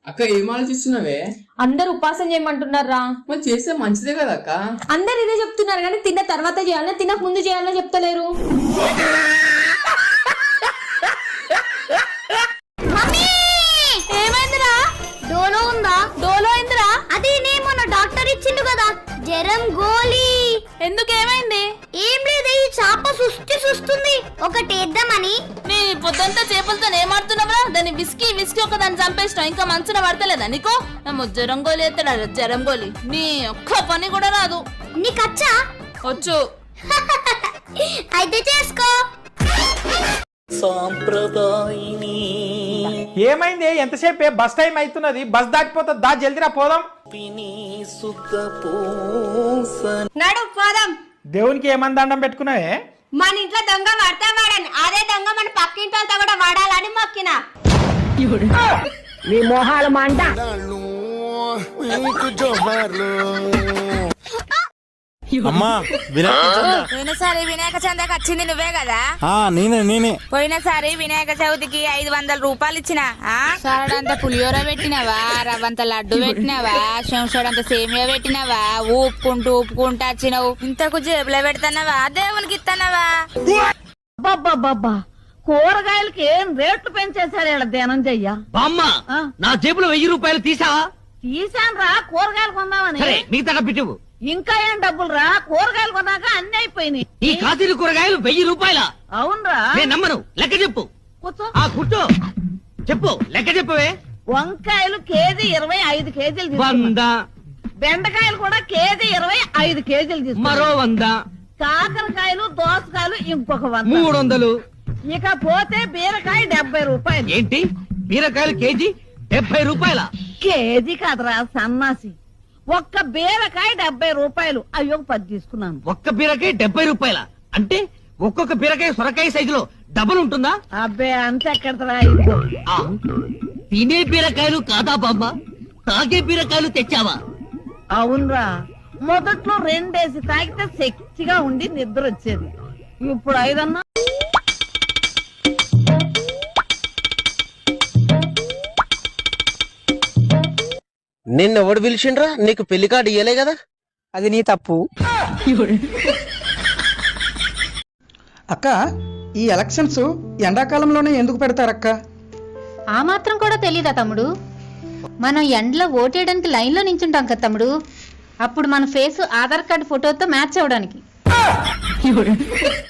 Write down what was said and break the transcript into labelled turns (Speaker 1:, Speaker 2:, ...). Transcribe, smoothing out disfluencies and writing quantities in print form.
Speaker 1: అక్క ఏం ఆలోచిస్తున్నావే?
Speaker 2: అందరు ఉపాసం చేయమంటున్నారా?
Speaker 1: మరి చేస్తే మంచిదే కదా అక్క.
Speaker 2: అందరు ఇదే చెప్తున్నారు కానీ తిన్న తర్వాత చేయాలని తినక ముందు చేయాలని చెప్తలేరు. ఏమైందిరా?
Speaker 3: డోలో ఉందా?
Speaker 2: డోలో అయిందిరా?
Speaker 3: అది నేను మొన్న డాక్టర్ ఇచ్చిండు కదా జ్వరం గోళీ.
Speaker 2: ఎందుకు ఏమైంది?
Speaker 3: ఏం లేదు, ఈ చాప సుస్తుంది ఒకటి వేద్దామని.
Speaker 2: నీ పొద్దంతా చేపలతో ఏమాడుతున్నావురా? దాన్ని విసికి ఒక దాన్ని చంపేసినావు, ఇంకా మంచున పడతలేదా నీకు? జ్వరం గోలి ఎత్తాడు జ్వరం గోలి. నీ ఒక్క పని కూడా రాదు.
Speaker 3: నీకచ్చా?
Speaker 2: వచ్చు.
Speaker 3: అయితే చేసుకో.
Speaker 4: ఏమైంది? ఎంతసేపు? బస్ టైం అవుతున్నది, బస్ దాటిపోతుంది, దా జల్దిరా పోదాం.
Speaker 5: నడు పోదాం.
Speaker 4: దేవునికి ఏమని దండం పెట్టుకున్నావే?
Speaker 5: మన ఇంట్లో దొంగ పడతా వాడని, అదే దొంగ మన పక్కింటి వాళ్ళతో కూడా వాడాలని మొక్కిన.
Speaker 6: మీ మొహాలు మంట.
Speaker 7: అమ్మా
Speaker 8: పోయినసారి వినాయక చందకి వచ్చింది నువ్వే కదా?
Speaker 7: నేనే
Speaker 8: పోయినసారి వినాయక చవితికి 500 రూపాయలు ఇచ్చిన. సారడంత పులిహోర పెట్టినవా, రవ్వంత లడ్డు పెట్టినవా, శంషడంత సేమియా పెట్టినవా, ఊపుకుంటూ వచ్చినవు. ఇంతకు జేబులో పెడతానవా, దేవునికి ఇస్తానవా?
Speaker 6: బాబా కూరగాయలకి ఏం రేట్లు పెంచేశారు ఇలా ధ్యానం చెయ్య.
Speaker 9: బామ్మ, నా జేబులో 1000 రూపాయలు తీసావా?
Speaker 6: తీసాను రా, కూరగాయలు కొందామని.
Speaker 9: మిగతా పెట్టివు.
Speaker 6: ఇంకా ఏం డబ్బులు రా, కూరగాయలు కొన్నాక అన్ని అయిపోయినాయి.
Speaker 9: ఈ కాతీలు కూరగాయలు 1000 రూపాయల?
Speaker 6: అవునరా.
Speaker 9: నేను నమ్మను, లెక్క చెప్పు.
Speaker 6: కూర్చో.
Speaker 9: కూర్చో, చెప్పు, లెక్క చెప్పవే.
Speaker 6: వంకాయలు కేజీ 25 కేజీలు తీసుకున్నా.
Speaker 9: 100.
Speaker 6: బెండకాయలు కూడా కేజీ 25 కేజీలు తీసుకున్నా.
Speaker 9: మరో 100.
Speaker 6: కాకరకాయలు దోసకాయలు ఇంకొక 100.
Speaker 9: 300.
Speaker 6: ఇక పోతే బీరకాయ 70 రూపాయలు.
Speaker 9: ఏంటి, బీరకాయలు కేజీ 70 రూపాయల?
Speaker 6: కేజీ కాదురా సన్నాసి, ఒక్క బీరకాయ 70 రూపాయలు. అయ్యో 10 తీసుకున్నాను.
Speaker 9: ఒక్క బీరకాయ 70 రూపాయల? అంటే ఒక్కొక్క బీరకాయ సొరకాయ సైజులో డబుల్ ఉంటుందా?
Speaker 6: అబ్బే అంతే ఎక్కడరా.
Speaker 9: తినే బీరకాయలు కాదా బామ్మ, తాగే బీరకాయలు తెచ్చావా?
Speaker 6: అవునరా, మొదట్లో 2 వేసి తాగితే శక్తిగా ఉండి నిద్ర వచ్చేది. ఇప్పుడు 5 అన్నా.
Speaker 10: నిన్నెవడు పిలిచిండ్రా? నీకు పెళ్లి కార్డు ఇయ్యలే కదా?
Speaker 4: అది నీ తప్పు.
Speaker 11: అక్క, ఈ ఎలక్షన్స్ ఎండాకాలంలోనే ఎందుకు పెడతారక్క?
Speaker 2: ఆ మాత్రం కూడా తెలీదా తమ్ముడు? మనం ఎండలో ఓటేయడానికి లైన్లో నించుంటాం కదా తమ్ముడు, అప్పుడు మన ఫేస్ ఆధార్ కార్డు ఫోటోతో మ్యాచ్ అవడానికి.